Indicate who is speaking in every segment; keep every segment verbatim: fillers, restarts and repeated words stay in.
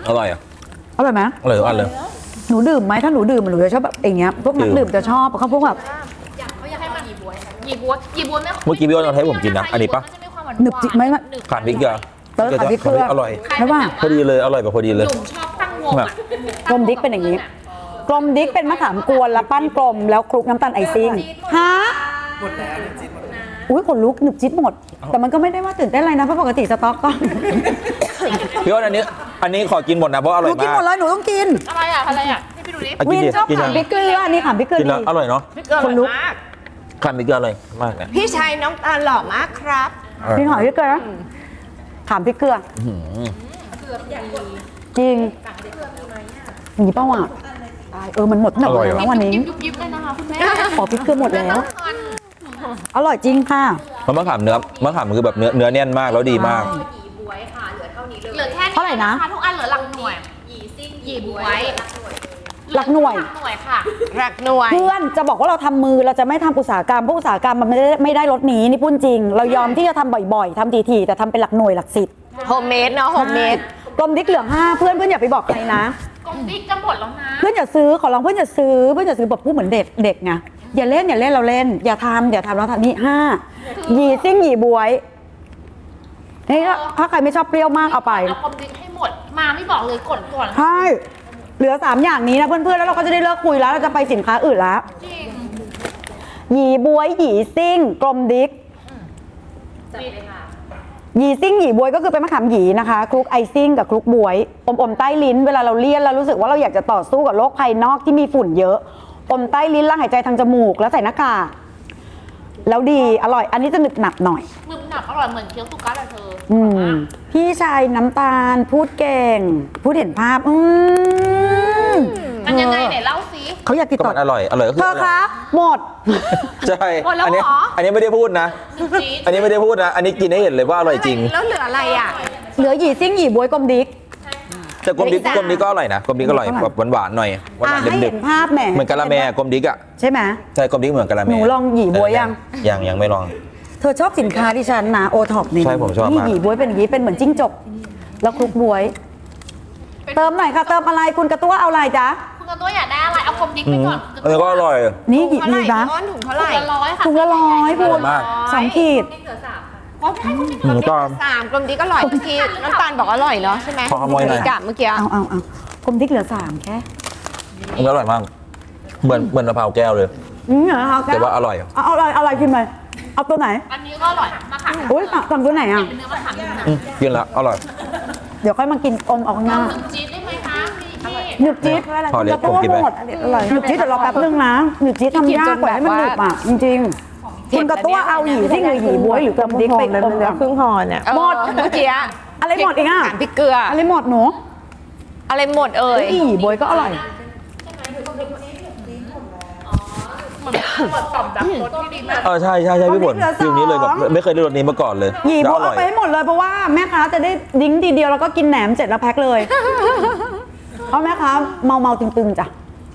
Speaker 1: อร่อยอ่ะ
Speaker 2: อร่อยไหม
Speaker 1: อร่อยทุกอันเลย
Speaker 2: หนูดื่มไหมถ้าหนูดื่มหนูจะชอบแบบอย่างเงี้ยพวกนักดื่มจะชอบเขาพวกแบบ
Speaker 3: อยากเขาอยากให้มันหยีบวยหยีบวยหยีบวยไม่
Speaker 1: เมื่อกี้พี่อ้นเอาให้ผมกินนะอันนี้ปะ
Speaker 2: หนึบจิกไหม
Speaker 1: ขาดพริกเกลือ
Speaker 2: เติมขาดพริกเกลือ
Speaker 1: อร่อย
Speaker 2: ใช่ป่ะ
Speaker 1: พอดีเลยอร่อยแบบพอดีเลย
Speaker 3: หนุ่มชอบตั้งวง
Speaker 2: กลมดิ๊กเป็นอย่างนี้กลมดิ๊กเป็นมะขามกวนแล้วปั้นกลมแล้วคลุกน้ำตาลไอซิ่งฮะหมดแล้วหนึบจิ๊ดหมดอุ้ยขนลุกหนึบจิ๊ดหมดแต่มันก็ไม่ได้ว่าตื่นเต้นอะไรนะเพราะปกติสต็อกก็
Speaker 1: พี่อ้นอันนี้อันนี้ขอกินหมดนะเพราะอ
Speaker 2: ห
Speaker 1: ร่อ
Speaker 2: นู
Speaker 1: ย
Speaker 2: กิน
Speaker 1: มาก
Speaker 2: หมดเลยหนูต้องกิน
Speaker 3: อะไรอ่ะอะไรอ่ะให้พี่ดูดิ
Speaker 1: อ่ะ
Speaker 2: วิ
Speaker 1: กิน
Speaker 2: น
Speaker 1: ดิ
Speaker 2: ชอบ
Speaker 1: กิน
Speaker 2: ขาม
Speaker 1: ดิ
Speaker 2: พริกเกลืออันนี้ขามพริกเกลือ
Speaker 1: กินแล้ว
Speaker 2: ดี
Speaker 1: อร่อยเนาะ
Speaker 2: คนลุก
Speaker 1: ขาดพริกเกลืออร่อยมากเลย
Speaker 4: พี่ชายน้องตาลหล่อมากครับ
Speaker 2: พี่ขามพริกเกลือขามพริกเกลือ
Speaker 1: อื้อหือ
Speaker 2: จริงอย่างนี้เป้าอ่ะตายเออมันหมดหนักแล้ววันนี้
Speaker 3: ยุบยิบเลยนะคะคุณแม่
Speaker 2: ขอพริกเกลือหมดแล้ว อร่อยจริงค่ะ
Speaker 1: มันมะขามเนื้อมะขามมันคือแบบเนื้อเนื้อแน่นมากแล้วดีมาก
Speaker 3: หยีบวยค่ะเหลือเท่านี้เลยเหลือแค่นี้
Speaker 2: เท่าไหร่นะ
Speaker 3: ทุกอันเหลือหลักหน่วยหยีซิ่งหยีบวย
Speaker 2: หลักหน่วย
Speaker 3: หลักหน่วยค่ะ
Speaker 4: รักหน่วย
Speaker 2: เพื่อนจะบอกว่าเราทำมือเราจะไม่ทำอุตสาหกรรมเพราะอุตสาหกรรมมันไม่ได้ไม่ได้รสนี้นี่พูดจริง เรายอมที่จะทำบ่อยๆทำทีๆแต่ทำเป็นหลักหน่วยหลักสิบ
Speaker 4: โฮมเมดเนาะโฮมเมด
Speaker 2: กลมดิ๊กเหลืองห้าเพื่อนเพื่อนอย่าไปบอกใครนะ
Speaker 3: กลมบิ๊กจะหมดแล้วนะ
Speaker 2: เพื่อนอย่าซื้อขอร้องเพื่อนอย่าซื้อเพื่อนอย่าซื้อแบบพูดเหมือนเด็กเด็กไงอย่าเล่นอย่าเล่นเราเล่น อย่าทำอย่าทำเราทำนี่ห้าหยีซิ่งหยีบวยนี่ถ้าใครไม่ชอบเปรี้ยวมากเอาไป
Speaker 3: เอากลมบิ๊กให้หมดมาไม่บอกเลยกดก่อน
Speaker 2: ใช่เหลือสามอย่างนี้นะเพื่อนๆแล้วเราก็จะได้เลิกคุยแล้วเราจะไปสินค้าอื่นแล้ว
Speaker 3: จริง
Speaker 2: หยีบวยหยีซิ่งกลมดิ๊ก
Speaker 3: จัดเลยค่ะ
Speaker 2: หยีซิ่งหยีบวยก็คือเป็นมะขามหยีนะคะคลุกไอซิ่งกับคลุกบวยอมอมใต้ลิ้นเวลาเราเลี่ยนเรารู้สึกว่าเราอยากจะต่อสู้กับโลกภายนอกที่มีฝุ่นเยอะอมใต้ลิ้นแล้วหายใจทางจมูกแล้วใส่หน้ากากแล้วดีอร่อยอันนี้จะหนึบหนับหน่อย
Speaker 3: มึมหนับอร่อยเหมือนเคี้ยวสุกัสอะเธอ
Speaker 2: อืมพี่ชายน้ำตาลพูดเก่ง พูดเห็นภาพอืม
Speaker 3: มันยังไงไหนเล่าสิ
Speaker 2: เขาอยากติด
Speaker 1: ก็
Speaker 2: ต่อ
Speaker 1: มันอร่อยอร่อยก็คือ
Speaker 2: เธอ
Speaker 1: อร่อย
Speaker 2: คะหมด
Speaker 1: ใช่
Speaker 3: หมดแล้ว
Speaker 1: อันี้
Speaker 3: เหรอ
Speaker 1: อันนี้ไม่ได้พูดนะ
Speaker 3: จี๊ด
Speaker 1: อันนี้ไม่ได้พูดนะ อันนี้กินให้เห็นเลยว่าอร่อยจริง
Speaker 4: แล้วเหลืออะไรอ่ะ
Speaker 2: เหลือหยีซิ่งหยีบวยกลมดิ๊ก
Speaker 1: แต่กลมดิ๊ก
Speaker 4: ไม่จ้ะ
Speaker 1: กลมดิ๊กก็อร่อยนะกลมดิ๊กก็อร่อย
Speaker 2: อร่อย
Speaker 1: แบบหวานๆหน่อยหวา
Speaker 2: อ่ะ
Speaker 1: นๆ
Speaker 2: ให้
Speaker 1: เด็
Speaker 2: เห็
Speaker 1: ก
Speaker 2: นภาพแหม
Speaker 1: ๆเหมือนกะละแมกลมดิ๊กอ่ะ
Speaker 2: ใช่ไหม
Speaker 1: ใช่กลมดิ๊กเหมือนกะละแม
Speaker 2: หนูลองหยี่บ๊วยยัง
Speaker 1: ยังยังไม่ลอง
Speaker 2: เธอชอบสินค้าที่ฉันนะโอท็อปนี่
Speaker 1: ใช่ผมชอบมาก
Speaker 2: นี่หยีบวยเป็นอย่างนี้เป็นเหมือนจิ้งจกแล้วคลุกบวย เติมหน่อยค่ะเติมอะไรคุณกระตั้วเอาอะไรจ๊ะ
Speaker 3: คุณกระตัวอยากได้อะไรเอากลมบิ๊ก
Speaker 1: อื
Speaker 3: ไป
Speaker 1: ม
Speaker 3: ก่อน
Speaker 1: อันนี้ก็อร่อย
Speaker 2: นี่หยี
Speaker 4: เท่าไห
Speaker 2: ดี
Speaker 4: ร่
Speaker 2: นะ
Speaker 4: พี่อ้อนถุงเท่าไห
Speaker 3: ถุ
Speaker 4: ร่
Speaker 3: งละร้อยค่ะ
Speaker 2: ถุงละร้อยพูด
Speaker 1: มาก
Speaker 2: สองขีด
Speaker 3: เหลือสามค่ะอ๋อใช่คุณบิ๊ก
Speaker 1: อืมก็
Speaker 4: สามกลมดีก็อร่อยเมื่อกี้น้ำตาลบอกอร่อยเนาะใช่ไหม
Speaker 1: ขอขโมยหน่อย
Speaker 4: กับเมื่อกี้
Speaker 2: เอาเอาเอากลมดิ๊กเหลือสามแค่
Speaker 1: มันอร่อยมาก เหมือนเหมือนมะพร้าวแก้วเลย
Speaker 2: อืมเหรอคะ
Speaker 1: แต่ว่าอร่อย
Speaker 2: เอาเอาอะไรเอาอะไรกินไปเอาตัวไหน
Speaker 3: อันนี้ก็อร่อยมากค่ะ
Speaker 2: อุ้ยสั่งตัวไหนอ่ะ
Speaker 3: เป็นเนื้อมะขามหนึ่งนะ
Speaker 1: อืมกินแล้วอร่อย
Speaker 2: เดี๋ยวค่อยมากินอมเอาข้างหน้า
Speaker 3: หนึ่งจี๊ดได้ไหมคะพี่พี่
Speaker 2: หนึบจี๊ด
Speaker 1: พอเล็ก
Speaker 2: กระตั้ว
Speaker 1: ผมกินไป
Speaker 2: หมดหนึบจี๊ดเดี๋ยวรอแป๊บนึงนะหนึบจี๊ดทำยากกว่าให้มันหนึบอ่ะจริงๆคุณกระตั้วเอาหยีซิ่งหรือหยีบวยหรือกลมดิ๊กไปอมก่อน
Speaker 4: ครึ่งหอเนี่ย
Speaker 2: หมด
Speaker 4: เมื่อกี้
Speaker 2: อะไรหมดอีกอ่ะ
Speaker 4: สามพริกเกลือ
Speaker 2: อะไรหมดหนู
Speaker 4: อะไรหมดเอ่ย
Speaker 2: อีบวยก็อร่อย
Speaker 3: เปิดต่อมดักรสที่ดีมาก
Speaker 1: เออใช่ใช่ใช่พี่ฝน
Speaker 2: เอาเหลือสอง
Speaker 1: ฟิลนี้เลยแบบไม่เคยได้รสนี้มาก่อนเลย
Speaker 2: หยีบ
Speaker 1: แล้ว
Speaker 2: วย
Speaker 1: อร่
Speaker 2: เอา
Speaker 1: อย
Speaker 2: ไปให้หมดเลยเพราะว่าแม่ค้าจะได้ดิ้งทีเดียวแล้วก็กินแหนมเสร็จแล้วแพ็คเลยเพราะแม่ค้าเมาเมาๆตึงๆจ้ะ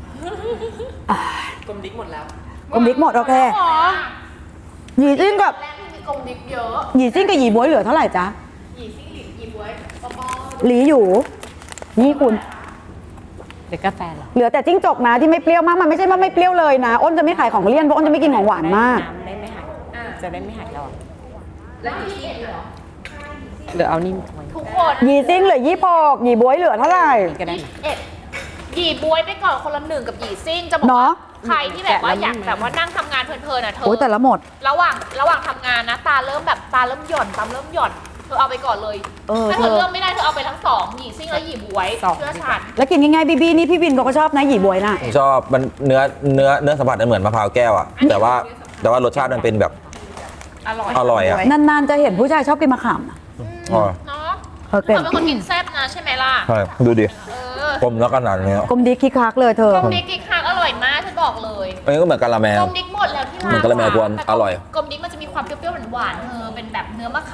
Speaker 2: กลมดิ๊กหมดแล้วกลมดิ๊กหมดโอเค
Speaker 3: อ๋อ
Speaker 2: หยีซิ่งกับ
Speaker 3: แรกที่มีกลมดิ๊กเยอะ
Speaker 2: หยีซิ่งกับหยีบวยเหลือเท่าไหร่จ๊ะ
Speaker 3: หยีซิ่งหลินหยีบวยปอปอ
Speaker 2: หลีอยู่นี่คุณ
Speaker 4: เด็กกาแฟเหรอ
Speaker 2: เหลือแต่จิ้งจกนะที่ไม่เปรี้ยวมากมันไม่ใช่ว่าไม่เปรี้ยวเลยนะอ้นจะไม่ขายของเลี่ยนเพราะอ้นจะไม่กินของหวานมาก
Speaker 4: น้ำได้ไม่หายจะได้ไม่หายแล้ว
Speaker 3: แล้วหยีซิ่งเหรอ
Speaker 4: เดี๋ยวเอานี่
Speaker 3: ทุกคน
Speaker 2: หยีซิ่งเหลือยี่ปอกหยีบวยเหลือเท่าไหร่
Speaker 4: ก็ได้
Speaker 3: เอ็ดหยีบวยไปก่อนคนละหนึ่งกับหยีซิ่งจะบอก
Speaker 2: เน
Speaker 3: ว่า
Speaker 2: อะ
Speaker 3: ใครที่แบบว่าอยากแบบว่านั่งทำงานเพลินๆอ่ะเธอ
Speaker 2: โอ้ยแต่ละหมด
Speaker 3: ระหว่างระหว่างทำงานนะตาเริ่มแบบตาเริ่มหย่อนตาเริ่มหย่อนเธอเอาไปก่อนเลย
Speaker 2: เออ
Speaker 3: ถ้า
Speaker 2: เธ
Speaker 3: เธ
Speaker 2: อ
Speaker 3: อเลือกไม่ได้เธอเอาไปทั้งสองหยีซิ่งและหยีบวย
Speaker 4: สอง
Speaker 3: เชื่อฉัน
Speaker 2: แล้วกินง่ายๆบีบีนี่พี่วินเขาก็ชอบนะหยีบวยน่ะ
Speaker 1: ผมชอบมันเนื้อเนื้อเนื้อสัมผัสมันเหมือนมะพร้าวแก้วอ่ะแต่ว่าแต่ว่ารสชาติมันเป็นแบบ
Speaker 3: อร่อย
Speaker 1: อร่อยอ่ะ
Speaker 2: นานๆจะเห็นผู้ชายชอบกินมะขามนะ
Speaker 1: อ๋อ
Speaker 3: เนาะ
Speaker 2: เออ
Speaker 3: เธ
Speaker 2: เก่ง
Speaker 3: อเป็นคนกินแซ่บนะใช่ไหมล่ะ
Speaker 1: ใช่ดูดิ
Speaker 3: เออ
Speaker 1: กลมแล้วขนาดนี้
Speaker 2: กลมดีคิกคักเลยเธอ
Speaker 3: กลมดิกกิ๊กคักอร่อยมากฉันบอกเลย
Speaker 1: อันนี้ก็เหมือนกะละแม
Speaker 3: กลมดิกหมดแล้วที่ร้าน
Speaker 1: เหมือนกะละแมกวน
Speaker 3: แต่
Speaker 1: อร่อย
Speaker 3: กลมดิกมันจะมีความเปรี้ยวๆหวานๆเธอเป็นแบบเนื้อมะขามที่มีความ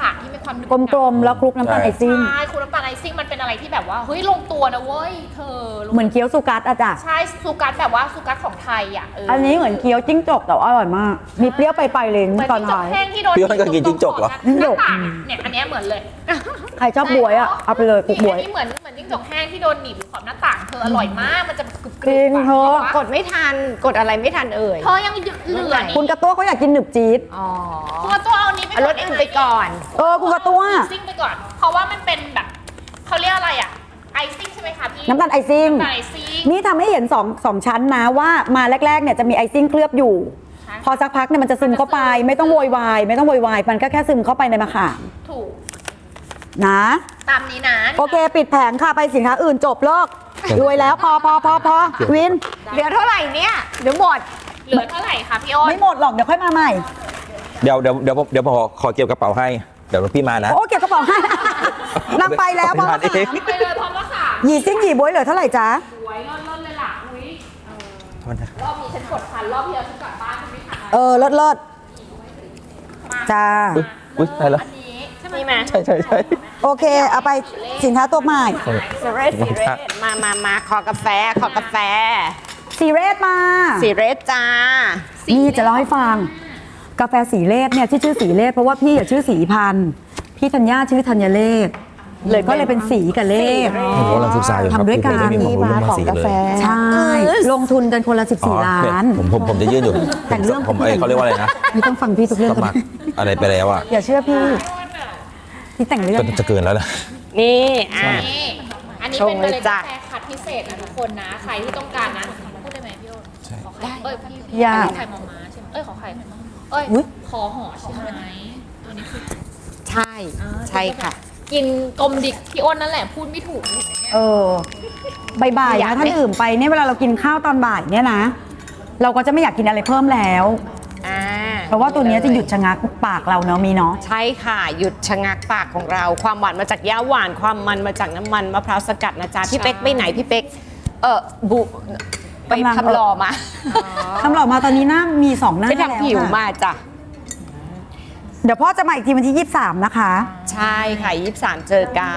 Speaker 3: ความหนึบ
Speaker 2: กลมๆแล้วคลุกน้ำตาลไอซิ่ง
Speaker 3: ใช่คุณน้ำตาลไอซิ่งมันเป็นอะไรที่แบบว่าเฮ้ยลงตัวนะเว้ยเธอลง
Speaker 2: เหมือนเคี้ยวซูกัสอะจ้ะ
Speaker 3: ใช่ซูกัสแบบว่าซูกัสของไทยอ่ะเออ
Speaker 2: อันนี้เหมือนเคี้ยวจิ้งจกแต่ว่าอร่อยมาก มีเปรี้ยวไปไปๆเลย
Speaker 3: เหมือน
Speaker 2: ตอน
Speaker 3: จิ้งจก
Speaker 2: ท้าย
Speaker 3: แห้งที่โดน
Speaker 1: พี่อ้นก็กินจิ้งจกเหรอ
Speaker 2: จิ้งจก
Speaker 3: หน้าต่างอะเนี่ยอันเนี้ยเหมือนเลย
Speaker 2: ใครชอบบวยอะเอาไปเลยคลุกบวย
Speaker 3: อันนี้เหมือนเหมือนจิ้งจกแห้งที่โดนหนีบอยู่ขอบหน้าต่างเธออร่อยมากมันจะกรึบๆ
Speaker 2: จริงเธอ
Speaker 4: กดไม่ทัน กดอะไรไม่ทันเอ่ย
Speaker 3: เธอยังเหลือนี่
Speaker 2: คุณกระตัวเขาอยากกินหนึบจี๊ด
Speaker 4: อ๋อ
Speaker 3: ตัวตัวเอานี้ไป
Speaker 4: เอารถเอ็นไปก่อน
Speaker 2: เออคุณกระตัว
Speaker 3: ซิ่งไปก่อน เพราะว่ามันเป็นแบบเขาเรียกอะไรอ่ะไอซิ่งใช่ไหมคะพี่
Speaker 2: น้ำตาลไอซิ่ง
Speaker 3: น้ำตาลไอซิ่ง
Speaker 2: นี่ทำให้เห็นสองสองชั้นนะว่ามาแรกๆเนี่ยจะมีไอซิ่งเคลือบอยู่
Speaker 3: ใช่
Speaker 2: พอสักพักเนี่ยมันจะซึมเข้าไป ไม่ต้องโวยวายไม่ต้องโวยวายมันก็แค่ซึมเข้าไปในมะขาม
Speaker 3: ถูก
Speaker 2: นะ
Speaker 3: ตามนี้นะ
Speaker 2: โอเค ปิดแผงค่ะไปสินค้าอื่นจบเลิกรวยแล้วพอพอพอพอวิน
Speaker 4: เหลือเท่าไหร่เนี่ย เดี๋ยวหมด
Speaker 3: เหลือเท่าไหร่คะพี่อ้น
Speaker 2: ไม่หมดหรอกเดี๋ยวค่อยมาใหม่
Speaker 1: เดี๋ยวเดี๋ยวเดี๋ยวผมเดี๋ยวผมขอขอเก็บกระเป๋าให้เดี๋ยวพี่มานะ
Speaker 2: โอ้เก็บกระเป๋าให้ นางไปแล้วเพราะ
Speaker 1: เอา
Speaker 2: ว่า
Speaker 1: ไปทานเอง
Speaker 3: ไปเลยพร้อมมะขาม
Speaker 2: หยีซิ่งหยีบวยเหลือเท่าไหร่จ๊ะ
Speaker 3: สวยเลิศๆเลยล่ะอุ้ย
Speaker 1: โทษนะ
Speaker 3: รอบนี้ฉันกดทันรอบที่แล้วฉันกลับบ้านฉันไม่ทัน
Speaker 2: เออเลิศเลิศจ้า
Speaker 1: อุ๊ยอุ๊ยตายแล้ว
Speaker 3: อันนี้ใช่ไหม
Speaker 1: ใช่ใช่ใช่
Speaker 2: โอเค เอาไปสินค้าตัวใหม่
Speaker 4: สเรสสีเรสมามามาขอกาแฟ ขอกาแฟ
Speaker 2: สีเรศมา
Speaker 4: สีเรสจ้า
Speaker 2: นี่จะเล่าให้ฟัง กาแฟสีเลศเนี่ยที่ชื่อสีเลศเพราะว่าพี่อะชื่อสีพันธุ์พี่ธัญญาชื่อธัญเลศ
Speaker 4: เลย
Speaker 2: ก็เลยเป็นสีกับเลศ
Speaker 1: ผมกำลังศึกษาอยู่ครับ
Speaker 2: ทำด้วยกัน
Speaker 1: ไม่มีความรู้เรื่องภาษีเลย
Speaker 2: ใช่ ลงทุนกันคนละ
Speaker 1: อ๋อ
Speaker 2: สิบสี่ ล้าน
Speaker 1: ผมผมผมจะยื่นอยู่
Speaker 2: แต่งเรื่อง
Speaker 1: ผมเอ้ยเขาเรียกว่าอะไรนะ
Speaker 2: ไม่ต้องฟังพี่ทุกเรื่อง
Speaker 1: สมัครอะไรไปแล้วอ่ะ
Speaker 2: อย่าเชื่อพี่พี่แต่งเรื่อง
Speaker 1: จะจะเกินแล้วนะ
Speaker 4: นี่อ่ะ
Speaker 3: นี่อันนี้
Speaker 4: ช
Speaker 3: เป็น
Speaker 4: ง
Speaker 3: เม
Speaker 4: เลย
Speaker 3: ล็ด
Speaker 4: จ้ะ
Speaker 3: กาแฟคัดพิเศษนะทุกคนนะ ใครที่ต้องการนะพูดได้ไหมพี่โอ้ขอไข่เอ้ยพี่พี่
Speaker 2: อยาก
Speaker 3: ไข่มอม้าใช่ไหมเอ้ยขอไข่เอ้ย
Speaker 2: อุ๊ย
Speaker 3: ขอห่อใช่ไหมตัวนี้คือ
Speaker 4: ใช่ ใช่ค่ะ
Speaker 3: กินกลมดิกพี่อ้นนั่นแหละพูดไม่ถูก
Speaker 2: เออบ่ายๆ
Speaker 4: อยาก
Speaker 2: นะ
Speaker 4: ไหม
Speaker 2: ถ้าดื่มไปเนี่ยเวลาเรากินข้าวตอนบ่ายเนี่ยนะ เราก็จะไม่อยากกินอะไรเพิ่มแล้ว
Speaker 4: อ่า
Speaker 2: เพราะว่าตัวเนี้ยจะหยุดชะงักปากเราเนาะมีเนาะ
Speaker 4: ใช่ค่ะ หยุดชะงักปากของเรา ความหวานมาจากย่าหวาน ความมันมาจากน้ำมันมะพร้าวสกัดนะจ๊ะ พี่เป๊กไปไหนพี่เป๊ก เออบุไป
Speaker 2: กำลัง
Speaker 4: ทำหล่อมา
Speaker 2: ทำหล่อมาตอนนี้หน้ามีสองหน้า
Speaker 4: ไป
Speaker 2: แล้ว
Speaker 4: ทำผิว
Speaker 2: ค่ะ
Speaker 4: มาจ้ะ
Speaker 2: เดี๋ยวพ่อจะมาอีกทีวันที่ยี่สิบสามนะคะ
Speaker 4: ใช่ค่ะยี่สิบสามเจอกัน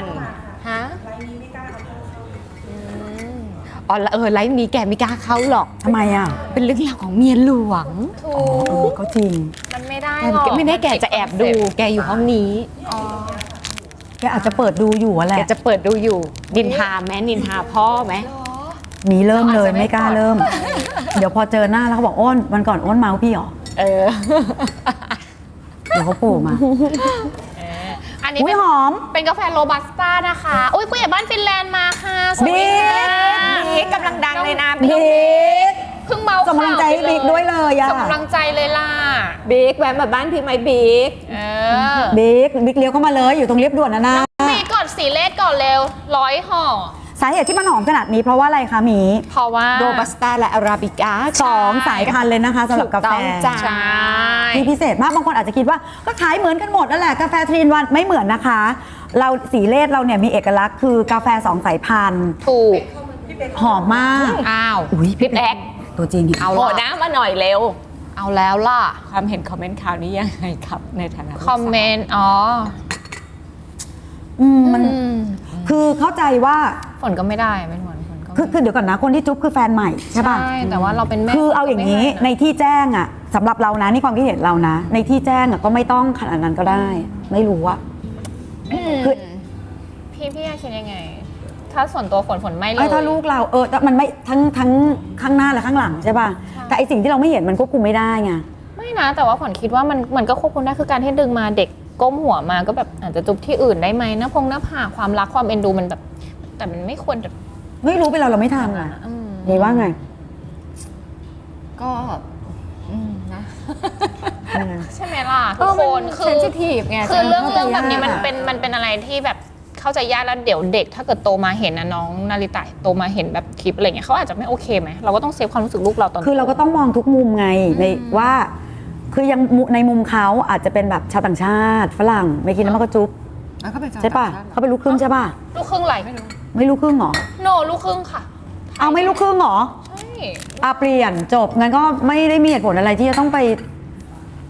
Speaker 4: ฮะอืมอ๋อเออไลฟ์นี้แกไม่กล้าเข้าหรอก
Speaker 2: ทำไมอ่ะ
Speaker 4: เป็นเรื่องราวของเมียหลวง
Speaker 3: ถู
Speaker 2: เออก ก็จริง
Speaker 3: มันไม่ได้
Speaker 4: แก
Speaker 3: หรอก
Speaker 4: ไม่ได้แกจะแอบดู แกอยู่ห้องนี้
Speaker 2: แกอาจจะเปิดดูอยู่อะแห
Speaker 4: แก
Speaker 2: ละ
Speaker 4: จะเปิดดูอยู่ นินทาแม้นินทาพ่อไหม
Speaker 2: มีเริ่มเลยไม่กล้าเริ่ม เดี๋ยวพอเจอหน้าแล้วเขาบอกอ้นวันก่อนอ้นเมาส์พี่เหรอ
Speaker 4: เออ
Speaker 2: เดี๋ยวเขาโผล่มา
Speaker 3: อันนี้
Speaker 2: อุ้
Speaker 3: เป็
Speaker 2: ย
Speaker 3: น
Speaker 2: หอม
Speaker 3: เป็นกาแฟโรบัสต้านะคะอุ้ยผู้ใหญ่บ้านฟินแลนด์มาค่ะสวัสดี
Speaker 2: บิ๊
Speaker 3: ค่ะ
Speaker 2: ก
Speaker 4: บิ๊กกำลังดังเลยนะ
Speaker 2: บิ๊ก
Speaker 3: เพิ่งเมา
Speaker 2: ส่งกำลังใจให้บิ๊กด้วยเลยอะ
Speaker 3: ส่งกำลังใจเลยล่ะ
Speaker 4: บิ๊กแวะมาบ้านพี่ไหมบิ๊ก
Speaker 3: เออ
Speaker 2: บิ๊กบิ๊กเลี้ยวเข้ามาเลยอยู่ตรงเรียบด่วนนะนะ
Speaker 3: มีก่อนสีเลขก่อนเร็วร้อยห่อ
Speaker 2: สาเหตุที่มันหอมขนาดนี้เพราะว่าอะไรคะหมี
Speaker 3: เพราะว่า
Speaker 4: โรบัสต้าและอาราบิก้า
Speaker 2: สองสายพันธุ์เลยนะคะสำหรับกาแฟ
Speaker 4: ถูกต้องจ้ะ
Speaker 3: ใช่
Speaker 2: ที่พิเศษมากบางคนอาจจะคิดว่าก็ขายเหมือนกันหมดนั่นแหละกาแฟทรีนวันไม่เหมือนนะคะ เราสีเลศเราเนี่ยมีเอกลักษณ์คือกาแฟสองสายพันธุ์
Speaker 3: ถูก
Speaker 2: หอมมาก
Speaker 3: อ้าว
Speaker 2: อุ้ย
Speaker 4: พี่แป๊ก
Speaker 2: ตัวจริง
Speaker 3: เอา
Speaker 4: โผล่
Speaker 3: ละ
Speaker 4: หน้ามาหน่อยเร็ว
Speaker 3: เอาแล้วล่ะ
Speaker 4: ความเห็นคอมเมนต์ข่าวนี้ยังไงครับ ในฐานะลูก
Speaker 3: คอมเมนต์ อ๋อ
Speaker 2: อืมมัน
Speaker 3: อืม
Speaker 2: คือเข้าใจว่า
Speaker 3: ฝนก็ไม่ได้ไม่เหมือนฝนก็ไม่
Speaker 2: คือคือเดี๋ยวก่อนนะคนที่จุ๊บคือแฟนใหม่ใช่ป่ะ
Speaker 3: ใช่แต่ว่าเราเป็นแม่
Speaker 2: คือเอาอย่างนี้
Speaker 3: นี้
Speaker 2: ในที่แจ้งอะสำหรับเรานะนี่ความคิดเห็นเรานะ ในที่แจ้งอะก็ไม่ต้องขนาดนั้นก็ได้ ไม่รู้อะ คือ
Speaker 3: พี่พี่คิดยังไง ถ้าส่วนตัวฝนฝนไม่เล
Speaker 2: ไอ้
Speaker 3: ย
Speaker 2: ถ้าลูกเราเออแต่มันไม่ทั้งทั้งข้างหน้าและข้างหลังใช่ป่ะแต่ไอสิ่งที่เราไม่เห็นมันควบคุมไม่ได้ไง
Speaker 3: ไม่นะ แต่ว่าฝนคิดว่ามันมันก็ควบคุมได้คือการที่ดึงมาเด็กก้มหัวมาก็แบบอาจจะจุบที่อื่นได้ไหมหน้าพงหน้าผากความรักความเอ็นดูมันแบบ แต่มันไม่ควรจะ
Speaker 2: ไม่รู้ไปเราเราไม่ทำอะ
Speaker 3: อืม
Speaker 2: นี่ว่าไง
Speaker 4: ก็อืมนะ
Speaker 3: ใช่ไหมล่ะทุกคนคือ
Speaker 4: เซนซิทีฟไง
Speaker 3: คือเรื่อง
Speaker 2: เข้าใจ
Speaker 3: เรื่องแบบนี้
Speaker 2: ยาก
Speaker 3: มันเป็นมันเป็นอะไรที่แบบเข้าใจยากแล้วเดี๋ยวเด็กถ้าเกิดโตมาเห็นนะน้องนาริตะโตมาเห็นแบบคลิปอะไรเงี้ยเขาอาจจะไม่โอเคไหมเราก็ต้องเซฟความรู้สึกลูกเราตอน
Speaker 2: คือเราก็ต้องมองทุกมุมไงในว่า คือยังมุในมุมเขาอาจจะเป็นแบบชาวต่างชาติฝรั่งไม่กินน้ำมันก็จุ๊บใช่ป่ะเขาเป็นลูกครึ่งใช่ป่ะ
Speaker 3: ลูกครึ่งอะไรไม่รู้
Speaker 2: ไม่ลูกครึ่งเหรอ
Speaker 3: โนลูกครึ่งค่ะ
Speaker 2: เอาไม่ลูกครึ่งเหรอ
Speaker 3: ใช่
Speaker 2: อาเปลี่ยนจบงั้นก็ไม่ได้มีเหตุผลอะไรที่จะต้องไป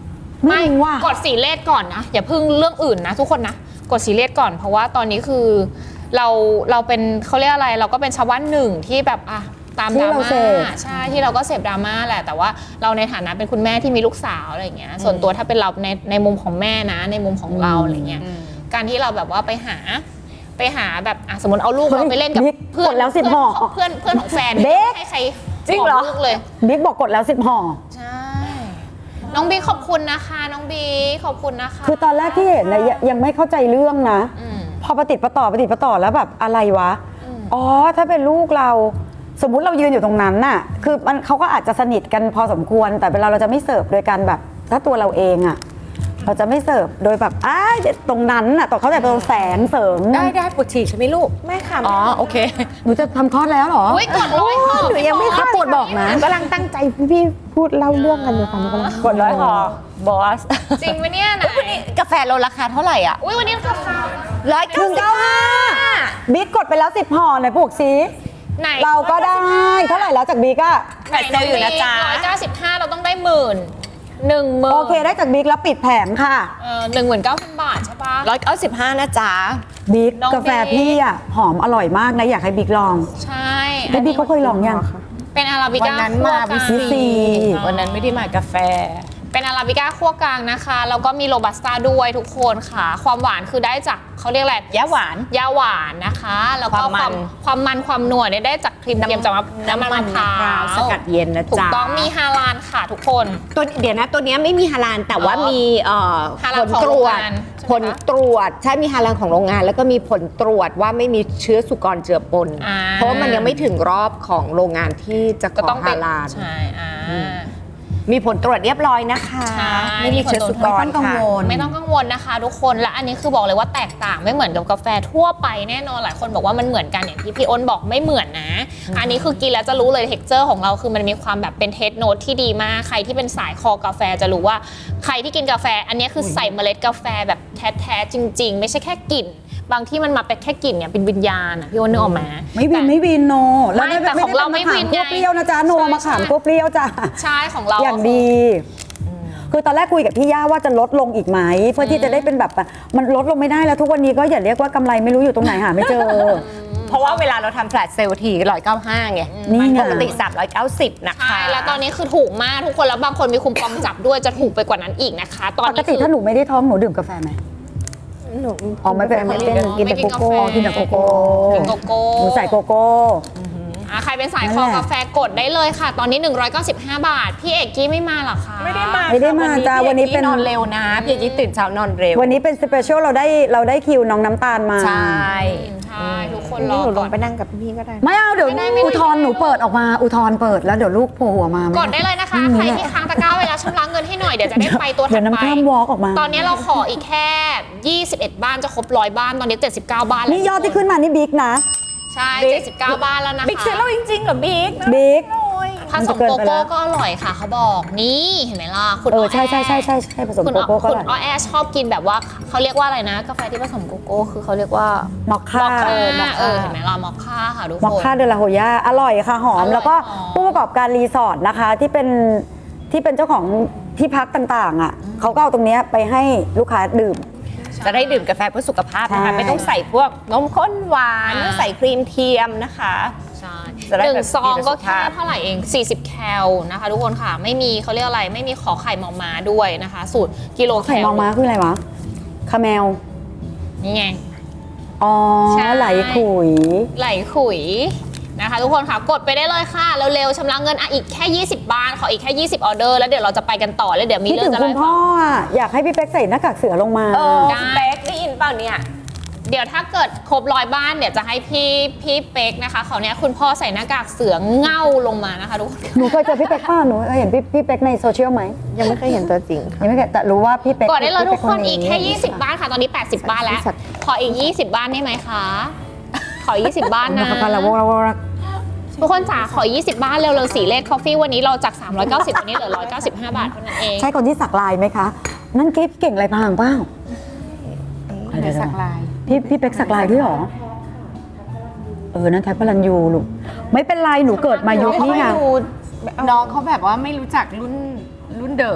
Speaker 2: ไม่รู้ว่ะ
Speaker 3: กดสีเลขก่อนนะอย่าเพิ่งเรื่องอื่นนะทุกคนนะกดสีเลขก่อนเพราะว่าตอนนี้คือเราเราเป็นเขาเรียกอะไรเราก็เป็นชาวบ้านหนึ่งที่แบบอ่ะตามดราม่าใช่ที่เราก็เสพดราม่าแหละแต่ว่าเราในฐานะเป็นคุณแม่ที่มีลูกสาวอะไรอย่างเงี้ยส่วนตัวถ้าเป็นเราในในมุมของแม่นะในมุมของเราอะไรเงี้ยการที่เราแบบว่าไปหาไปหาแบบอ่ะสมมติเอาลูกเราไปเล่นกับเพื่อน
Speaker 2: กดแล้วสิบห่อ
Speaker 3: เพื่อนเพื่อนของแฟน
Speaker 2: เด็ก
Speaker 3: ให้ใคร
Speaker 2: จริงเหรอ
Speaker 3: ขลูกเลย
Speaker 2: บิ๊กบอกกดแล้วสิบห่อ
Speaker 3: ใช่น้องบีขอบคุณนะคะน้องบีขอบคุณนะคะ
Speaker 2: คือตอนแรกที่เห็นนะยังยังไม่เข้าใจเรื่องนะ
Speaker 3: อืม
Speaker 2: พอประติดประต่อประติดประต่อแล้วแบบอะไรวะ
Speaker 3: อืม
Speaker 2: อ๋อ ถ้าเป็นลูกเรา สมมุติเรายืนอยู่ตรงนั้นน่ะ คือมันเขาก็อาจจะสนิทกันพอสมควร แต่เวลาเราจะไม่เสิร์ฟโดยการแบบ ถ้าตัวเราเองอะเราจะไม่เสิร์ฟโดยแบบอ้ายตรงนั้นน่ะต่อเขาแต่ตรงแสงเสริม
Speaker 4: ได้ได้ปวดฉี่ใช่ไหมลูกแม่ค่ะอ๋อโอเค
Speaker 2: หนูจะทำคลอดแล้วเหรอ
Speaker 3: อุ้ยกดร้อยค่ะ
Speaker 2: หนูยังไม่คลอดปวดบอกนะ
Speaker 5: กำลังตั้งใจพี่พูดเล่าเรื่องกันอยู่ค่ะหนูกำลัง
Speaker 4: กดร้อยหอบอส
Speaker 3: จริงไหมเนี่ยไหน
Speaker 4: กาแฟโลราคาเท่าไหร่อ่ะ
Speaker 3: อุ้ยวันนี้ราคา
Speaker 4: ร้อยเก้าสิบห้า
Speaker 2: บิ๊กกดไปแล้วสิบห่อไหนปลูกซิ
Speaker 3: ไหน
Speaker 2: เราก็ได้ เท่าไหร่แล้วจากบิ๊กอะ
Speaker 4: แฟลชเซลล์อยู่นะจ๊ะ
Speaker 3: ร้อยเก้าสิบห้าเราต้องได้หมื่นหนึ่งหมื่น
Speaker 2: โอเคได้จากบิ๊กแล้วปิดแผงค่ะ
Speaker 3: เออหนึ่งหมื่นเก้าพันบาทใช่ปะ
Speaker 4: ร้อยเก้าสิบห้านะจ๊ะ
Speaker 2: บิ๊ก
Speaker 3: น้อง
Speaker 2: กาแฟ
Speaker 3: บิ๊ก
Speaker 2: พี่อะหอมอร่อยมากนะอยากให้บิ๊กลอง
Speaker 3: ใช่
Speaker 2: แล้วบิ๊กเขาเคยลองยัง
Speaker 3: เป็นอาราบิ
Speaker 4: วัน
Speaker 3: ก้า
Speaker 4: นั้น
Speaker 3: คั่ว
Speaker 4: มาก
Speaker 3: ลาง
Speaker 2: วิซี
Speaker 4: วันนั้นไม่ได้มากาแฟ
Speaker 3: เป็นอาราบิก้าคั่วกลางนะคะแล้วก็มีโรบัสต้าด้วยทุกคนค่ะ ความหวานคือได้จากเขาเรียกอะไร
Speaker 4: ยาหวาน
Speaker 3: ยาหวานนะคะ แล้วก็
Speaker 4: ความมัน
Speaker 3: ความมันความนัวเนี่ยได้จากครีมเทียมจากน้ำมันมะพร้าว
Speaker 4: สกัดเย็นนะจ๊ะ
Speaker 3: ถูกต้องมีฮาลาลค่ะทุกคน
Speaker 4: ตัวเดี๋ยวนะตัวเนี้ยไม่มีฮาลาลแต่ว่า
Speaker 3: อ๋อ
Speaker 4: มีเอ่อ
Speaker 3: ฮาลา
Speaker 4: ผ
Speaker 3: ล
Speaker 4: ล
Speaker 3: ของ
Speaker 4: ตร
Speaker 3: โรง
Speaker 4: วจ
Speaker 3: งานใช่ไหมคะ
Speaker 4: ผลตรวจใช่มีฮาลาลของโรงงาน แล้วก็มีผลตรวจว่าไม่มีเชื้อสุกรเจือปน
Speaker 3: อ่า
Speaker 4: เพราะว่ามันยังไม่ถึงรอบของโรงงานที่จะข
Speaker 3: ก็
Speaker 4: อ
Speaker 3: ต้อง
Speaker 4: ฮาลาล
Speaker 3: ใช่อ่า
Speaker 4: มีผลตรวจเรียบร้อยนะคะ
Speaker 3: ใช่
Speaker 4: ไม่มีเชื้อสุกร
Speaker 2: ไม่ต้องกัง
Speaker 4: ค่ะ
Speaker 2: วล
Speaker 3: ไม่ต้องกังวลนะคะทุกคนและอันนี้คือบอกเลยว่าแตกต่างไม่เหมือนกับกาแฟทั่วไปแน่นอนหลายคนบอกว่ามันเหมือนกันอย่างที่พี่อ้นบอกไม่เหมือนนะ อันนี้คือกินแล้วจะรู้เลยเท็กเจอร์ของเราคือมันมีความแบบเป็นเทสโนตที่ดีมากใครที่เป็นสายคอกาแฟจะรู้ว่าใครที่กินกาแฟ อันนี้คือใส่เมล็ดกาแฟแบบแท้ๆจริง ๆ ไม่ใช่แค่กลิ่นบางที่มันมาเป็นแค่กลิ่นเนี่ยเป็นวิญญาณอะพี่อ้นนึกออกไหม
Speaker 2: ไม่วินไม่วินโน
Speaker 3: ไม่แต่ของเราไม่วิน
Speaker 2: คั่ว
Speaker 3: ไง
Speaker 2: เปรี้ยวนะจ๊ะโน
Speaker 3: ใช่
Speaker 2: มะขาม
Speaker 3: ใช่
Speaker 2: คั่วเปรี้ยวจ้ะ
Speaker 3: ใช่ของเรา
Speaker 2: อย่างดี คือตอนแรกคุยกับพี่ย่าว่าจะลดลงอีกไหมเพื่อที่จะได้เป็นแบบมันลดลงไม่ได้แล้วทุกวันนี้ก็อย่าเรียกว่ากำไรไม่รู้อยู่ตรงไหนหาไม่เจอ
Speaker 4: เพราะว่าเวลาเราทำแฟลชเซลล์ทีร้อยเก้าห้าไง
Speaker 2: นี่ไง
Speaker 4: ปกติสามร้อยเก้าสิบนะคะ
Speaker 3: ใช่แล้วตอนนี้คือถูกมากทุกคนแล้วบางคนมีคุมกองจับด้วยจะถูกไปกว่านั้นอีกนะคะ ตอน
Speaker 2: ปก
Speaker 3: นี้
Speaker 2: ติ
Speaker 3: คือ
Speaker 2: ถ้าหนูไม่ได้ท้องหนูดื่มกาแฟไหม
Speaker 5: หนู
Speaker 2: อ๋อไม่เป็นไม่เป็นกินแต่โกโก้กินแต่โกโก้
Speaker 3: กินโกโก้
Speaker 2: หนูใส่โกโก้
Speaker 3: อ่ะใครเป็นสาย
Speaker 2: นั่
Speaker 3: คน อ
Speaker 2: แหละ
Speaker 3: กาแฟกดได้เลยค่ะ ตอนนี้ หนึ่งร้อยเก้าสิบห้า บาท พี่เอกกี้ไม่มาหรอคะ
Speaker 4: ไม่ได้มา
Speaker 2: ไม่ได้มาจ้าวันนี้เป็น
Speaker 4: นอนเร็วนะพี่เอกกี้ตื่นเช้านอนเร็ว
Speaker 2: วันนี้เป็นสเปเชียลเราได้เราได้คิวน้องน้ำตาลมา
Speaker 4: ใช่
Speaker 3: ใช่ทุกคน
Speaker 5: นี่
Speaker 3: รอ
Speaker 5: หนูล
Speaker 3: ก่อง น
Speaker 5: ไปนั่งกับพี่ก็ได้
Speaker 2: ไม่เอาเดี๋ยว
Speaker 3: ไม่ได้ไม่ได้
Speaker 2: อุทธรณ์หนูเปิดออกมาอุทธรณ์เปิดแล้วเดี๋ยวลูกโผล่หัวมาม่
Speaker 3: กดได้เลยนะคะ
Speaker 2: อืม
Speaker 3: ใครที่ค้างตะกร้าไว้แล้วชำระเงินให้หน่อย เดี๋ยวจะได้ไปตัวถั
Speaker 2: เดี๋ย
Speaker 3: ด
Speaker 2: วน้ำ
Speaker 3: ไป
Speaker 2: ข้ามวอล์กออกมา
Speaker 3: ตอนนี้เราขออีกแค่ ยี่สิบเอ็ด บ้านจะครบร้อยบ้าน ตอนนี้ เจ็ดสิบเก้า บ้านแล้ว
Speaker 2: นี่ยอดที่ขึ้นมานี่บิ๊กนะ
Speaker 3: ใช่ เจ็ดสิบเก้า บ้านแล้วนะคะ
Speaker 4: บิ๊กเซลล์จริงๆเหรอบิ๊ก
Speaker 2: บิ๊ก
Speaker 3: ผสมโกโก้ก็อร่อยค่ะเขาบอก นี่เห็นไหมล่ะคุณ
Speaker 2: เออ
Speaker 3: แ
Speaker 2: ใช่ใช่ใช่ใช่ใช่ผสม
Speaker 3: คุณ
Speaker 2: โกโก้ก็
Speaker 3: คุณ
Speaker 2: อร่อย
Speaker 3: อ้อแอชอบกินแบบว่าเขาเรียกว่าอะไรนะ กาแฟที่ผสมโกโก้คือเขาเรียกว่าม
Speaker 2: อคค่า
Speaker 3: เออ
Speaker 2: มอค
Speaker 3: เอ
Speaker 2: ค่า
Speaker 3: อเห็นไหมล่ะมอคค่าค่ะทุก
Speaker 2: มอค
Speaker 3: คน
Speaker 2: ค่าเดลาโฮย่าอร่อยค่ะหอม
Speaker 3: อร่อย
Speaker 2: แล้วก็
Speaker 3: หอม
Speaker 2: ผู้ประกอบการรีสอร์ทนะคะที่เป็นที่เป็นเจ้าของที่พักต่างๆอ่ะเขาก็เอาตรงเนี้ยไปให้ลูกค้าดื่ม
Speaker 4: จะได้ดื่มกาแฟเพื่อสุขภาพนะ
Speaker 2: ใช่
Speaker 4: คะไม่ต้องใส่พวกนมข้นหวานไม่ต้องใส่ครีมเทียมนะคะ
Speaker 3: ใช่
Speaker 4: จะได้
Speaker 3: หนึ่
Speaker 4: แบ
Speaker 3: ง
Speaker 4: บ
Speaker 3: ซอง
Speaker 4: ดีต่อ
Speaker 3: ก็
Speaker 4: สุข
Speaker 3: แค่
Speaker 4: ภาพ
Speaker 3: เท่าไหร่เอง สี่สิบ แคลนะคะ ทุกคนค่ะ ไม่มีเขาเรียกอะไร ไม่มีขอไข่มอม้าด้วยนะคะ สูตรกิโลแค
Speaker 2: ไข่
Speaker 3: ล
Speaker 2: มองม้าคืออะไรวะคาเมล
Speaker 3: นี่ไง
Speaker 2: อ๋อ
Speaker 3: ใช่
Speaker 2: ไหลขุย
Speaker 3: ไหลขุยนะคะ ทุกคนค่ะกดไปได้เลยค่ะเร็วๆชำระเงินอ่ะอีกแค่ ยี่สิบ บ้านขออีกแค่ ยี่สิบ ออเดอร์แล้วเดี๋ยวเราจะไปกันต่อแล้วเดี๋ยวมี
Speaker 2: คิด
Speaker 3: เรื่อ
Speaker 2: ถึ
Speaker 3: ง
Speaker 2: ง
Speaker 3: จะ
Speaker 2: คุ
Speaker 3: เล่า
Speaker 2: ณ
Speaker 3: ให้
Speaker 2: พ่
Speaker 3: ฟั
Speaker 2: อง อ่ะอยากให้พี่เป๊กใส่หน้ากากเสือลงมา
Speaker 4: เออ
Speaker 3: ได้
Speaker 4: คุณเป๊กได้ยินเปล่าเนี่ย
Speaker 3: เดี๋ยวถ้าเกิดครบร้อยบ้านเดี๋ยวจะให้พี่พี่เป๊กนะคะเขาวเนี้ยคุณพ่อใส่หน้ากากเสือเง่าลงมานะคะทุกคน
Speaker 2: หนูเคยเจอพี่เป๊กป้าหนูเคยเห็นพี่พี่เป๊กในโซเชียลไหม
Speaker 5: ยังไม่เคยเห็นตัวจริงค่ะ
Speaker 2: ยังไม่เคยแต่รู้ว่าพี่เป๊ก
Speaker 3: กดได้เลยทุกคน
Speaker 2: พี่
Speaker 3: อีก
Speaker 2: เป๊
Speaker 3: แค่ ยี่สิบ บ้านค่ะ ตอนนี้ แปดสิบ บ้านแล้ว
Speaker 5: สัตว์
Speaker 3: ขออีก ยี่สิบ บ้านได้ไหมคะ ขอ ยี่สิบ บ้านนะ
Speaker 2: นะคะเราเราเรา
Speaker 3: ทุกคนจ๋าขอ ยี่สิบ บ้านเร็วๆสีเลดคอฟฟี่วันนี้เราจาก สามร้อยเก้าสิบ วันนี้เหลือ หนึ่งร้อยเก้าสิบห้า บาทเท่านั้นเอง
Speaker 2: ใช่คนที่สักลายไหมคะ นั่นกิ๊บเก่งลายพรางเปล่า
Speaker 5: เดี๋ยวสักลาย
Speaker 2: พี่พี่เป๊กสักลายด้วยเหรอ เออ นั่นแท็บพลันยูลูกไม่เป็นไรหนูเกิดมายุคนี้ไง
Speaker 4: น้องเขาแบบว่าไม่รู้จักรุ่นรุ่นเดอะ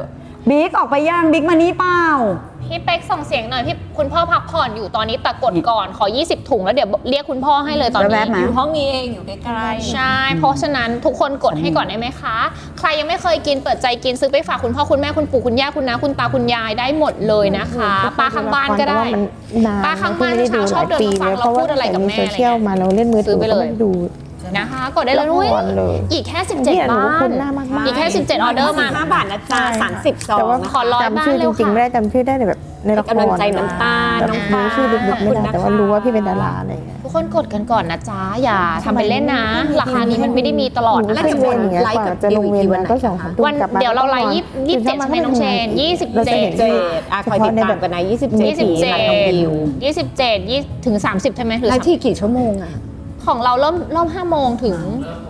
Speaker 2: บิ๊กออกไปย่างบิ๊กมานี่เปล่า
Speaker 3: พี่เป๊กส่งเสียงหน่อยพี่คุณพ่อพักผ่อนอยู่ตอนนี้แต่กดก่อนขอยี่สิบถุงแล้วเดี๋ยวเรียกคุณพ่อให้เลยตอน
Speaker 2: แว๊
Speaker 3: นี้
Speaker 2: บๆมา
Speaker 4: อยู่ห้องนี้เองอยู่ใกล้ๆ
Speaker 3: ใช่ เพราะฉะนั้นทุกคนกดให้ก่อนได้ไหมคะ ใครยังไม่เคยกินเปิดใจกินซื้อไปฝากคุณพ่อคุณแม่คุณปู่คุณย่าคุณน้าคุณตาคุณยายได้หมดเลยนะคะป้าข้างบ้านก็ได้
Speaker 5: แต่ว่ามันนาน
Speaker 3: ป้าข้างบ้าน
Speaker 5: ไม่ได้ดู
Speaker 3: เช้าชอบเดินมาฟัง
Speaker 5: หลายปี
Speaker 3: เราพูดอะไรกับแม่
Speaker 5: เพราะว่าใส่ในโซเชียลมาเราเล่นมือถื
Speaker 3: ซื้อไปเลย
Speaker 5: ก็ไม่ดู
Speaker 3: นะคะ กดได้เลย
Speaker 5: ละ
Speaker 3: นุ้ย
Speaker 5: ครเลย
Speaker 3: อีกแค่สิบเจ็ด
Speaker 5: เนี่ยหนู
Speaker 3: บ้า
Speaker 5: คน นหน้ามากๆ
Speaker 3: อีกแค่สิบเจ็ดออเดอร์มา
Speaker 4: ห้าบาทนะจ๊ะสามสิบซอง
Speaker 5: แต่ว่า
Speaker 4: นะ
Speaker 3: ขอร้อยบ้าน
Speaker 5: จำชื่อ
Speaker 3: เร็
Speaker 5: จ
Speaker 3: ว
Speaker 5: ริงๆ
Speaker 3: ค่ะ
Speaker 5: ไม่ได้จำชื่อได้แต่แบบในละคร
Speaker 4: กำลังใจน้ำตาล
Speaker 5: แบบ
Speaker 4: น้องฟ้า
Speaker 5: รู้ชื่อลึกๆไม่ได้
Speaker 4: ขอบคุณนะคะ
Speaker 5: แต่ว่ารู้ว่าพี่เป็นดาราอะไรอย่างเงี้ย
Speaker 3: ทุกคนกดกันก่อนนะจ๊ะอย่าทำเป็นเล่นนะ ราคานี้มันไม่ได้มีตลอด
Speaker 5: หนู
Speaker 3: นะ
Speaker 5: ขึ้นเวรอย่างเงี้ยกว่าจะลงเวรมันก็สองสามทุ่ม
Speaker 3: วัน
Speaker 5: กลับมา
Speaker 3: เดี๋ยวเราไลฟ์
Speaker 5: ก็
Speaker 3: ยี่
Speaker 5: น
Speaker 3: ยี่สิบเจ็ดใช่ไหมน้องเชนยี่สิบ
Speaker 5: ราจะ
Speaker 3: เจ็ด
Speaker 5: ห็น
Speaker 4: เจ็ดอ่ะคอยติดตามกันนะยี่สิบเจ็ด
Speaker 3: ยี่สิบเจ็ด
Speaker 4: นัดน้องบิว
Speaker 3: ยี่สิบเจ็ดยี่ถึงสามสิบใช่ไหมหรือ
Speaker 4: ไลฟ์ที่กี่ชั่วโมงอ่ะ
Speaker 3: ของเราเริ่มเริ่มห้าโมงถึง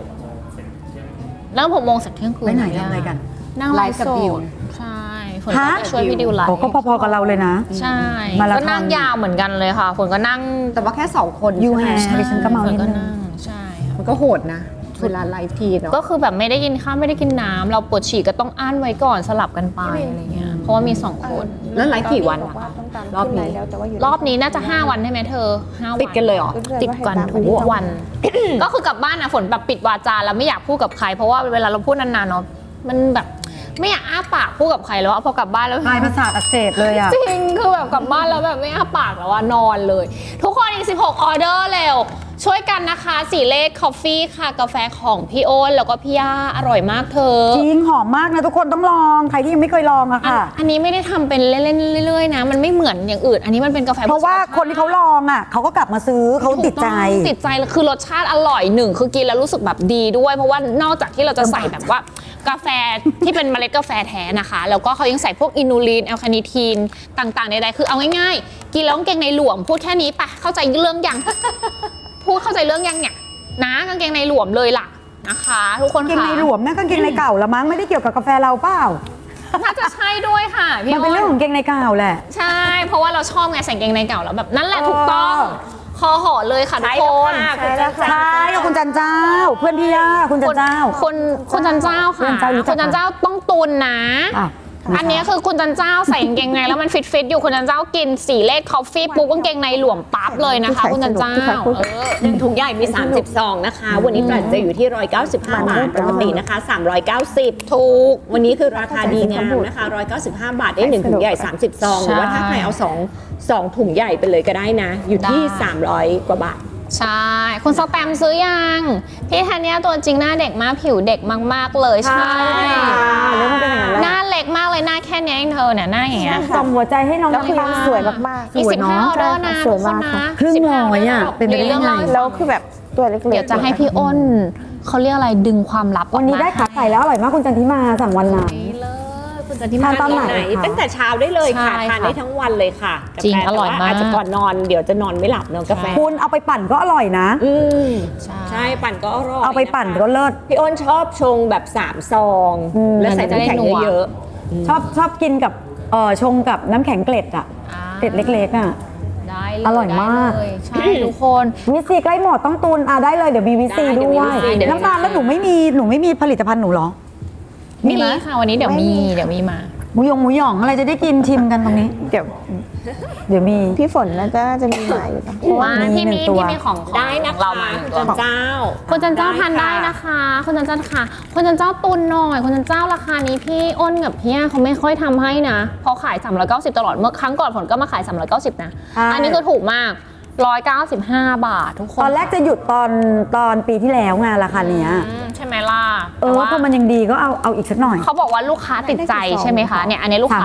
Speaker 3: เริ่มหกโมงสักเที่ยงคืน
Speaker 2: ไปไหนทำอะไรกัน
Speaker 3: นั่งไลฟ์กับ
Speaker 4: ไลฟ์กับบิ
Speaker 3: บิว
Speaker 4: ว
Speaker 3: ใช่ฝนก็ไปช่วยพี่ดิวไลฟ์
Speaker 2: โอ้ก็พอๆกับเราเลยนะ
Speaker 3: ใช่
Speaker 2: มาราธอน
Speaker 3: ก็นั่งยาวเหมือนกันเลยค่ะฝนก็นั่ง
Speaker 4: แต่ว่าแค่สองคน
Speaker 2: ยู
Speaker 4: ใช่ไหม
Speaker 2: แฮร์ดิฉันก็เมานิด
Speaker 3: ฝ
Speaker 2: นึ
Speaker 3: ก็
Speaker 2: ง
Speaker 3: นั่งใช่ค่ะ
Speaker 4: มันก็โหดนะ เวลาไลฟ์ทีเนาะ
Speaker 3: ก็คือแบบไม่ได้กินข้าวไม่ได้กินน้ำเราปวดฉี่ก็ต้องอั้นไว้ก่อนสลับกันไปอะไรเงี้ยเพราะว่ามีสองคน
Speaker 4: แล้วไลฟ์กี่วันอะคะรอบนี้
Speaker 3: รอบนี้น่าจะห้าวันใช่ไหมเธอห้าวัน
Speaker 4: ติดกันเลยเหรอ
Speaker 3: ติดกันทุกวัน ก็คือกลับบ้านนะฝนแบบปิดวาจาแล้วไม่อยากพูดกับใคร เพราะว่าเวลาเราพูดนานๆเนาะมันแบบไม่อยากอ้าปากพูดกับใครแล้วอะพอกลับบ้านแล้ว
Speaker 2: ปลายประสาทอักเสบเลยอ่ะ
Speaker 3: จริงคือแบบกลับบ้านแล้วแบบไม่อ้าปากแล้วอะนอนเลย ทุกคนอีกสิบหกออเดอร์เร็วช่วยกันนะคะสีเลขคอฟฟี่ค่ะกาแฟของพี่โอนแล้วก็พี่ย่าอร่อยมากเธอ
Speaker 2: จริงหอมมากนะทุกคนต้องลองใครที่ยังไม่เคยลองอะ
Speaker 3: อัน
Speaker 2: ค่ะ
Speaker 3: อันนี้ไม่ได้ทำเป็นเล่นๆเรื่อยๆนะ มันไม่เหมือนอย่างอื่น อันนี้มันเป็นกาแฟ
Speaker 2: เพราะว่าคนที่เขาลองอะเขาก็กลับมาซื้อเขาติดใจ
Speaker 3: ถูกต้องติดใจแล้วคือรสชาติอร่อยหนึ่งคือกินแล้วรู้สึกแบบดีด้วย เพราะว่านอกจากที่เราจะใส่แบบว่ากาแฟที่เป็นเมล็ดกาแฟแท้นะคะ แล้วก็เขายังใส่พวกอินูลินแอลคาเนิทีนต่างๆใดๆคือเอาง่ายๆ กินแล้วกางเกงในหลวมพูดแค่นี้ปะเข้าใจเรื่องยัง พูดเข้าใจเรื่องยังเนี่ยนะกางเกงในหลวมเลยล่ะนะคะ ทุกคน
Speaker 2: กางเกง
Speaker 3: ค่ะ
Speaker 2: ในหลวมนั่นกางเกงในเก่าละมั้งไม่ได้เกี่ยวกับกาแฟเราเปล่า
Speaker 3: น่าจะใช่ด้วยค่ะพี่
Speaker 2: มันเป็นเรื่องของกางเกงในเก่าแหละ
Speaker 3: ใช่ เพราะว่าเราชอบไงใส่กางเกงในเก่าแล้วแบบนั่นแหละถูกต้อง
Speaker 2: เออ
Speaker 3: คอห่อเลยค่ะทุกคน
Speaker 4: ใช่แล้วค่ะ
Speaker 2: ใช่กับคุณจันเจ้า เพื่อนพี่ย่าคุณจันเจ้า
Speaker 3: คนคุณจันเจ้าค่ะ
Speaker 2: คุณจันเจ้ารู้จัก
Speaker 3: คุณจันเจ้าต้องตุนนะ
Speaker 2: อ่ะ
Speaker 3: อันนี้คือคุณจันเจ้าใส่กางเกงในแล้วมันฟิตฟิตๆอยู่คุณจันเจ้ากินสีเลขคอฟฟี่ปุ๊บกางเกงในหลวมปั๊บเลยนะคะ คุณจันเจ้าเออ
Speaker 4: หนึ่งถุงใหญ่มี สามสิบซองนะคะ วันนี้ปรับจะอยู่ที่หนึ่งร้อยเก้าสิบห้าบาท ปกตินะคะ สามร้อยเก้าสิบ
Speaker 3: ถูก
Speaker 4: วันนี้คือราคาดีงามนะคะ หนึ่งร้อยเก้าสิบห้าบาทได้หนึ่งถุงใหญ่ สามสิบซอง หรือว่าถ้าใครเอาสองสองถุงใหญ่ไปเลยก็ได้นะ อยู่ที่
Speaker 3: ได้
Speaker 4: สามร้อยกว่าบาท
Speaker 3: ใช่ คุณสแตมซื้อยัง พี่ธัญญาตัวจริงหน้าเด็กมากผิวเด็กมากๆเลยใช่
Speaker 2: แล้วมันเป็นอย่างนั้นแหละ
Speaker 3: หน้าเล็กมากเลยหน้าแค่เนี้ยเองเธอเนี่ยหน้าอย่างเงี้ย
Speaker 2: ส่งหัวใจให้น้อง
Speaker 5: แล้วคือ
Speaker 2: น้ำตาล
Speaker 5: สวยมากๆ
Speaker 3: อีก
Speaker 2: สวย
Speaker 3: สิบ
Speaker 2: เนอะ
Speaker 3: ห้าออเดอร์นะ
Speaker 5: ส
Speaker 3: ทุ
Speaker 5: ว
Speaker 3: ก
Speaker 5: ย
Speaker 3: คน
Speaker 5: มาก
Speaker 3: นะ
Speaker 5: ค่ะ
Speaker 2: ครึ่งร้อยอะเป็นไปได้ยังไง
Speaker 5: แล้วคือแบบตัวเล็กๆ
Speaker 3: เดี๋ยวจะให้พี่อ้นเขาเรียกอะไรดึงความลับออกมา
Speaker 2: วันนี้ได้ขาไก่แล้วอร่อยมากคุณจันทิมาสั่งวันไหน
Speaker 3: นี่เลยคุณจันทิ
Speaker 2: ทานตอนไหน คะ
Speaker 4: ตั้งแต่เช้าได้เลยค่ะ
Speaker 3: ใช่
Speaker 4: ทานได้ทั้งวันเลยค่ะ
Speaker 3: จริง
Speaker 4: กาแฟ
Speaker 3: อร่อยมาก
Speaker 4: แต่ว่อาจจะก่อนนอนเดี๋ยวจะนอนไม่หลับเนอะกาแฟ
Speaker 2: คุณเอาไปปั่นก็อร่อยนะ
Speaker 4: อืม
Speaker 3: ใช่
Speaker 4: ใช่ปั่นก็อร่อย
Speaker 2: เอาไปปั่นก็
Speaker 4: นะคะ
Speaker 2: เลิศ
Speaker 4: พี่อ้นชอบชงแบบสามซอง
Speaker 2: อืม
Speaker 4: แล้วใส่น้ำแข็งเยอะ
Speaker 2: ชอบชอบกินกับเออชงกับน้ำแข็งเกล็ดอะ
Speaker 3: อ่า
Speaker 2: เกล็ดเล็กๆอะ
Speaker 3: ได้เลย
Speaker 2: อร่อยมาก
Speaker 3: ได้เลยใช่ทุกคน
Speaker 2: วิซีใกล้หมดต้องตุนอ่ะได้เลยเดี๋ยวมีวิซี
Speaker 4: ได้เดี๋
Speaker 2: ด้
Speaker 4: ยว
Speaker 2: ว
Speaker 4: มี
Speaker 2: ย
Speaker 4: วีซีเดี๋ยว
Speaker 2: น้ำตาลแล้วหนูไม่มีหนูไม่มีผลิตภัณฑ์หนูเหรอ มี
Speaker 3: มี
Speaker 2: ไหม
Speaker 3: ค่ะวันนี้เดี๋ยวมีเดี๋ยวมีมา
Speaker 2: หมูยงหมูหยองอะไรจะได้กินชิมกันตรงนี้
Speaker 5: เดี๋ยว
Speaker 2: เดี๋ยวมี
Speaker 5: พี่ฝนน่าจะน่าจะมีหมายอยู่นะเพราะว่า
Speaker 3: มาพี่
Speaker 2: มีหนึ่
Speaker 3: มี
Speaker 2: งตัว
Speaker 3: พี่มีของ
Speaker 4: ๆได้นะ
Speaker 3: เรา
Speaker 4: คะ
Speaker 3: มา
Speaker 4: คุณจันเจ้า
Speaker 3: คุณจันเจ้าทานได้นะคะคุณจันเจ้าค่ะคุณจันเจ้าตุนหน่อยคุณจันเจ้าราคานี้พี่อ้นกับพี่ย่าเขาไม่ค่อยทำให้นะเพราะขายสามร้อยเก้าสิบตลอดเมื่อครั้งก่อนผลก็มาขายสามร้อยเก้าสิบนะ
Speaker 2: ใช่
Speaker 3: อันนี้คือถูกมากหนึ่งร้อยเก้าสิบห้าบาททุกคน
Speaker 2: ตอนแรกจะหยุดตอนตอนปีที่แล้วไงราคาเนี้ย
Speaker 3: อืมใช่ไหมล่ะ
Speaker 2: เออ
Speaker 3: แต่ว่า
Speaker 2: พอมันยังดีก็เอาเอาอีกสักหน่อย
Speaker 3: เขาบอกว่าลูกค้าติดใจใช่ไหมคะเนี่ยอันนี้ลูกค้า